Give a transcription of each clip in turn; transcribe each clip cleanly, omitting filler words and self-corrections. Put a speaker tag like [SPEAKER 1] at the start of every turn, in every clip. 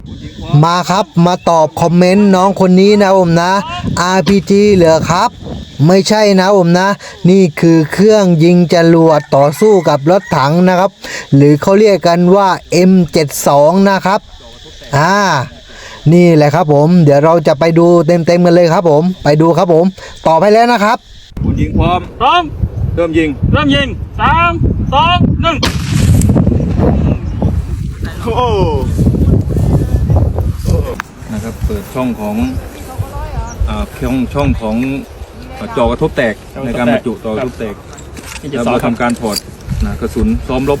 [SPEAKER 1] มาครับมาตอบคอมเมนต์น้องคนนี้นะผมนะ RPG เหรอครับ ไม่ใช่นะผมนะ นี่คือเครื่องยิงจรวดต่อสู้กับรถถังนะครับ หรือเขาเรียกกันว่า M72 นะครับนี่แหละครับผมเดี๋ยวเราจะไปดูเต็มๆกันเลยครับผมไปดูครับผมตอบให้แล้วนะครับ
[SPEAKER 2] คุณยิงพร้อมเริ่มยิง3 2 1โอ้นะครับเปิดช่องของช่องของจอกระทบแตกในการบรรจุจอกระทบแตกแล้วเราทำการถอดกระสุนซ้อมรบ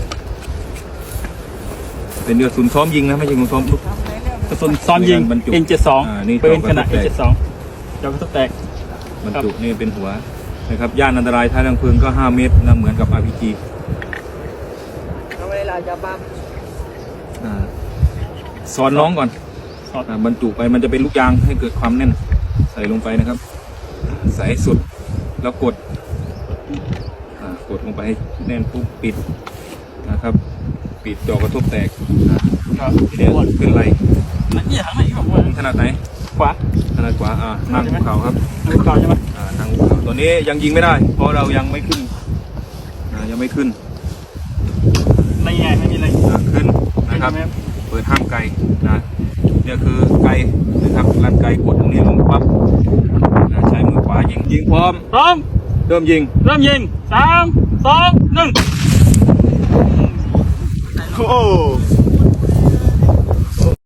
[SPEAKER 2] เป็นกระสุนซ้อมยิงนะไม่ใช่กระสุนซ้อมรบ
[SPEAKER 3] กระสุนซ้อมยิง M72 ปืนขนาด M72 จอกระทบแตก
[SPEAKER 2] บรรจุนี่เป็นหัวนะครับย่านอันตรายท้ายทางเพลิงก็5 เมตรนะเหมือนกับ RPG
[SPEAKER 1] เอาเวลาจะปั๊ม
[SPEAKER 2] สอนน้องก่อนบรรจุไปมันจะเป็นลูกยางให้เกิดความแน่นใส่ลงไปนะครับใส่ให้สุดแล้วกดลงไปให้แน่นปุ๊บปิดนะครับปิดจอกระทบแตกทีนี้ขึ้นไหลถนัดไหน
[SPEAKER 3] ขวา
[SPEAKER 2] ถนัดขวานั่งภูเขาครับ
[SPEAKER 3] นั่งภูเขาใช่ไหม
[SPEAKER 2] นั่งภูเขาตัวนี้ยังยิงไม่ได้เพราะเรายังไม่ขึ้นยังไม่ขึ้น
[SPEAKER 3] ไม่ไงไม่มีอะไร
[SPEAKER 2] ขึ้นนะครับเปิดห้ามไกลเนี่ยคือไกลนะครับลันไกลกดตรงนี้ลงปั๊บใช้มือขวายิงพร้อมเริ่มยิง3 2 1โอ้